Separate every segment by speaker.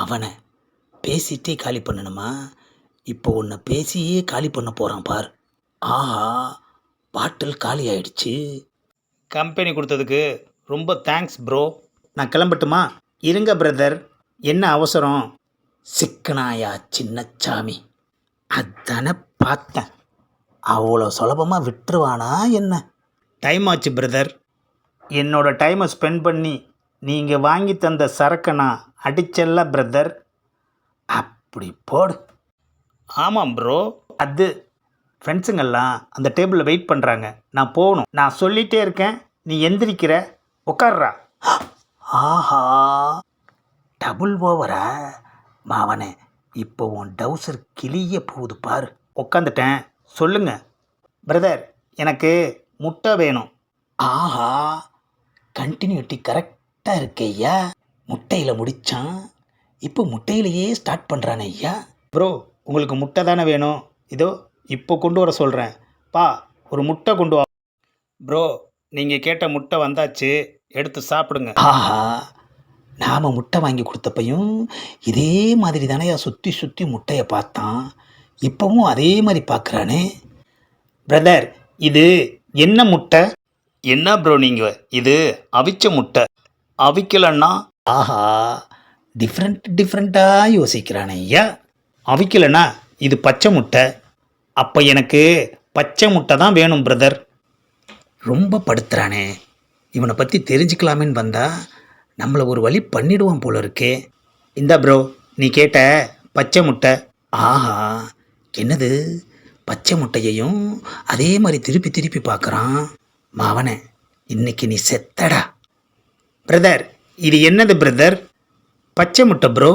Speaker 1: அவனை பேசிட்டே காலி பண்ணணுமா? இப்போ உன்னை பேசியே காலி பண்ண போகிறான் பார். ஆஹா, பாட்டில் காலி ஆயிடுச்சு. கம்பெனி கொடுத்ததுக்கு ரொம்ப தேங்க்ஸ் ப்ரோ. நான் கிளம்பட்டுமா? இருங்க பிரதர், என்ன அவசரம்? சிக்கனாயா சின்னச்சாமி, அதானே பார்த்தேன். அவ்வளோ சுலபமாக விட்டுருவானா என்ன? டைம் ஆச்சு பிரதர். என்னோட டைமை ஸ்பெண்ட் பண்ணி நீங்கள் வாங்கி தந்த சரக்கை நான் அடிச்சல்ல பிரதர். அப்படி போடு. ஆமாம் ப்ரோ. அது ஃப்ரெண்ட்ஸுங்கெல்லாம் அந்த டேபிளில் வெயிட் பண்ணுறாங்க. நான் போகணும். நான் சொல்லிகிட்டே இருக்கேன், நீ எந்திரிக்கிற. உட்கார்றா. ஆஹா, டபுள் ஓவரா மாவனே? இப்போ உன் டவுசர் கிளிய போகுது பாரு. உட்காந்துட்டேன், சொல்லுங்க பிரதர். எனக்கு முட்டை வேணும். ஆஹா, கண்டினியூட்டி கரெக்டாக இருக்கு ஐயா. முட்டையில் முடித்தான், இப்போ முட்டையிலையே ஸ்டார்ட் பண்ணுறானே ஐயா. ப்ரோ, உங்களுக்கு முட்டை தானே வேணும்? இதோ இப்போ கொண்டு வர சொல்கிறேன். பா, ஒரு முட்டை கொண்டு வா. ப்ரோ, நீங்கள் கேட்ட முட்டை வந்தாச்சு, எடுத்து சாப்பிடுங்க. ஆஹா, நாம் முட்டை வாங்கி கொடுத்தப்பையும் இதே மாதிரி தானேயா சுற்றி சுற்றி முட்டையை பார்த்தான். இப்போவும் அதே மாதிரி பார்க்குறானே. பிரதர், இது என்ன முட்டை? என்ன ப்ரோ நீங்கள், இது அவிச்ச முட்டை. அவிக்கலன்னா? ஆஹா, டிஃப்ரெண்ட்டாக யோசிக்கிறானே ஐயா. அவிக்கலைன்னா இது பச்சை முட்டை. அப்போ எனக்கு பச்சை முட்டை தான் வேணும் பிரதர். ரொம்ப படுத்துறானே, இவனை பற்றி தெரிஞ்சுக்கலாமேன்னு வந்தா நம்மளை ஒரு வழி பண்ணிடுவான் போல இருக்கே. இந்தா ப்ரோ, நீ கேட்ட பச்சை முட்டை. ஆஹா, என்னது பச்சை முட்டையையும் அதே மாதிரி திருப்பி திருப்பி பார்க்குறான். மாவனே, இன்னைக்கு நீ செத்தடா. பிரதர், இது என்னது பிரதர்? பச்சை முட்டை ப்ரோ.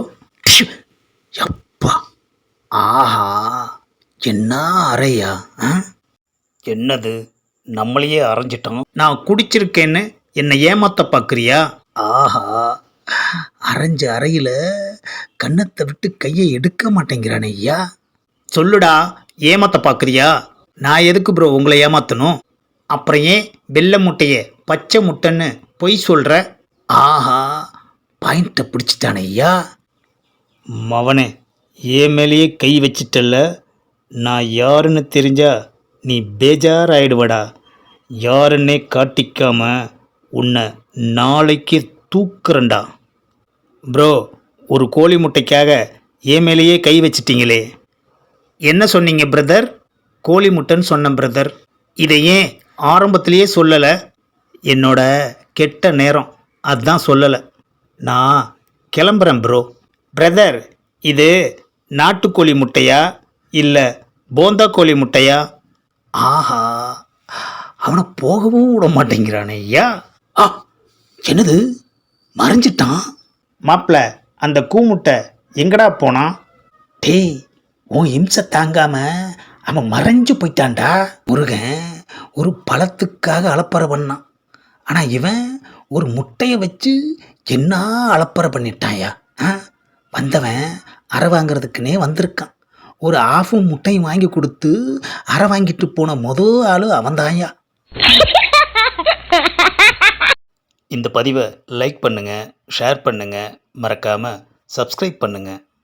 Speaker 1: எப்பா, ஆஹா, என்ன அறையா? என்னது, நம்மளையே அரைஞ்சிட்டோம். நான் குடிச்சிருக்கேன்னு என்னை ஏமாத்த பார்க்குறியா? ஆஹா, அரைஞ்ச அறையில் கன்னத்தை விட்டு கையை எடுக்க மாட்டேங்கிறானே ஐயா. சொல்லுடா, ஏமாத்த பார்க்குறியா? நான் எதுக்கு ப்ரோ உங்களை ஏமாற்றணும்? அப்புறம் ஏன் வெள்ளை முட்டையை பச்சை முட்டைன்னு பொய் சொல்கிற? ஆஹா, பாயிண்ட்டை பிடிச்சிட்டானே ஐயா. மவனே, ஏன் மேலேயே கை வச்சிட்டல்ல. நான் யாருன்னு தெரிஞ்சா நீ பேஜாராயிடுவடா. யாருன்னே காட்டிக்காம உன்னை நாளைக்கு தூக்குறண்டா. ப்ரோ, ஒரு கோழி முட்டைக்காக ஏன் மேலேயே கை வச்சிட்டிங்களே. என்ன சொன்னீங்க பிரதர்? கோழி முட்டைன்னு சொன்னேன் பிரதர். இதை ஏன் ஆரம்பத்திலேயே சொல்லலை? என்னோட கெட்ட நேரம், அதுதான் சொல்லலை. நான் கிளம்புறேன் ப்ரோ. பிரதர், இது நாட்டுக்கோழி முட்டையா இல்லை போந்தா கோழி முட்டையா? ஆஹா, அவனை போகவும் விட மாட்டேங்கிறானே ஐயா. ஆ, என்னது, மறைஞ்சிட்டான். மாப்பிள்ள, அந்த கூமுட்டை எங்கடா போனான்? டேய், உன் இம்சை தாங்காம அவன் மறைஞ்சு போயிட்டான்டா. முருகன் ஒரு பழத்துக்காக அலப்பறை பண்ணான். ஆனால் இவன் ஒரு முட்டையை வச்சு என்ன அலப்பறை பண்ணிட்டான்யா. வந்தவன் அரை வாங்கிறதுக்குன்னே வந்திருக்கான். ஒரு ஆஃபும் முட்டையும் வாங்கி கொடுத்து அரை வாங்கிட்டு போன மொதல் ஆள் அவன்தான்யா. இந்த பதிவை லைக் பண்ணுங்கள், ஷேர் பண்ணுங்கள், மறக்காமல் சப்ஸ்கிரைப் பண்ணுங்கள்.